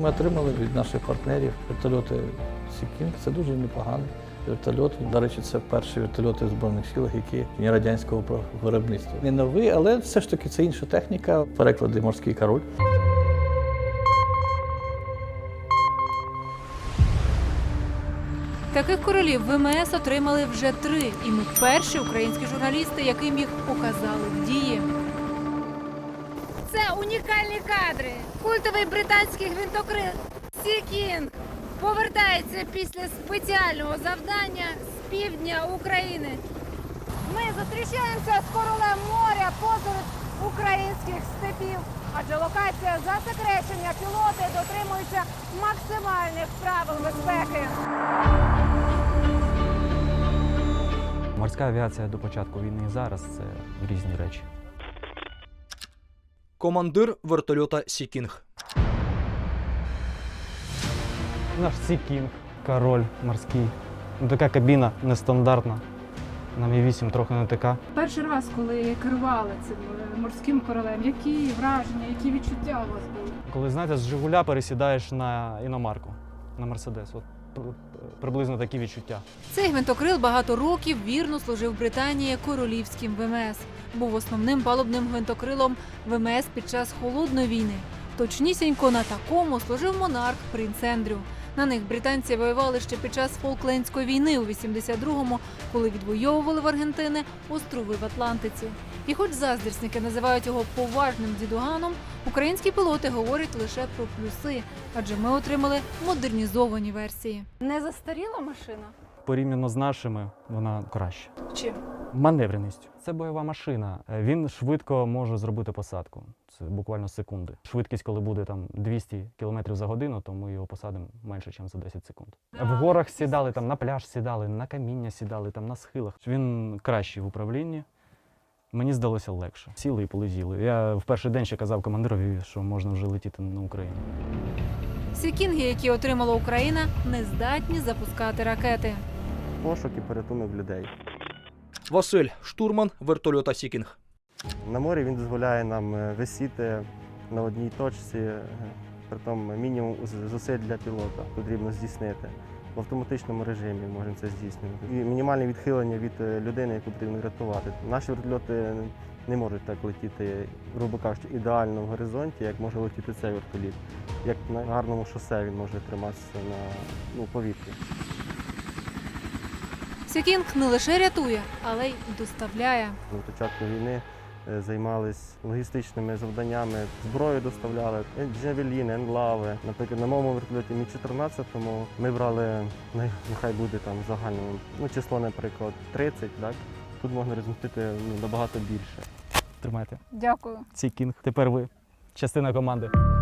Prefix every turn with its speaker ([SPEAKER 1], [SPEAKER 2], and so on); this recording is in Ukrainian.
[SPEAKER 1] ми отримали від наших партнерів вертольоти Sea King. Це дуже непоганий вертольот. До речі, це перші вертольоти в Збройних силах, які не радянського виробництва. Не новий, але все ж таки це інша техніка. Переклади «Морський король».
[SPEAKER 2] Таких королів ВМС отримали вже 3, і ми перші українські журналісти, яким їх показали в дії.
[SPEAKER 3] Це унікальні кадри. Культовий британський гвинтокрил Sea King повертається після спеціального завдання з півдня України. Ми зустрічаємося з королем моря посеред українських степів, адже локація засекречення, пілоти дотримуються максимальних правил безпеки.
[SPEAKER 4] Морська авіація до початку війни і зараз – це різні речі.
[SPEAKER 5] Командир вертольота Sea King.
[SPEAKER 4] Наш Sea King, король морський. Така кабіна нестандартна. На Мі-8 трохи не така.
[SPEAKER 6] Перший раз, коли керували цим морським королем, які враження, які відчуття у вас були?
[SPEAKER 4] Коли, знаєте, з «Жигуля» пересідаєш на іномарку, на «Мерседес». От приблизно такі відчуття.
[SPEAKER 2] Цей гвинтокрил багато років вірно служив Британії королівським ВМС. Був основним палубним гвинтокрилом ВМС під час Холодної війни. Точнісінько на такому служив монарх принц Ендрю. На них британці воювали ще під час Фолклендської війни у 82-му, коли відвоювали в Аргентини острови в Атлантиці. І хоч заздрісники називають його поважним дідуганом, українські пілоти говорять лише про плюси, адже ми отримали модернізовані версії.
[SPEAKER 3] Не застаріла машина?
[SPEAKER 4] Порівняно з нашими, вона краща.
[SPEAKER 6] Чим?
[SPEAKER 4] Маневреністю. Це бойова машина. Він швидко може зробити посадку. Це буквально секунди. Швидкість, коли буде там 200 км за годину, то ми його посадимо менше, ніж за 10 секунд. В горах сідали, там на пляж сідали, на каміння сідали, там на схилах. Він кращий в управлінні. Мені здалося легше. Сіли і полетіли. Я в перший день ще казав командирові, що можна вже летіти на Україну.
[SPEAKER 2] Сікінги, які отримала Україна, не здатні запускати ракети.
[SPEAKER 7] Пошук і порятунок людей.
[SPEAKER 5] Василь, штурман вертольота Sea King.
[SPEAKER 7] На морі він дозволяє нам висіти на одній точці, притом мінімум зусиль для пілота потрібно здійснити. В автоматичному режимі можемо це здійснювати. І мінімальне відхилення від людини, яку потрібно рятувати. Наші вертольоти не можуть так летіти, грубо кажучи, ідеально в горизонті, як може летіти цей вертоліт. Як на гарному шосе він може триматися на повітрі.
[SPEAKER 2] Sea King не лише рятує, але й доставляє.
[SPEAKER 7] На початку війни займалися логістичними завданнями, зброю доставляли, джавеліни, енлави. Наприклад, на моєму вертольоті Мі-14 ми брали, нехай буде там загальне, число, наприклад, 30, так? Тут можна розмістити набагато більше.
[SPEAKER 4] Тримайте.
[SPEAKER 6] Дякую.
[SPEAKER 4] Sea King. Тепер ви частина команди.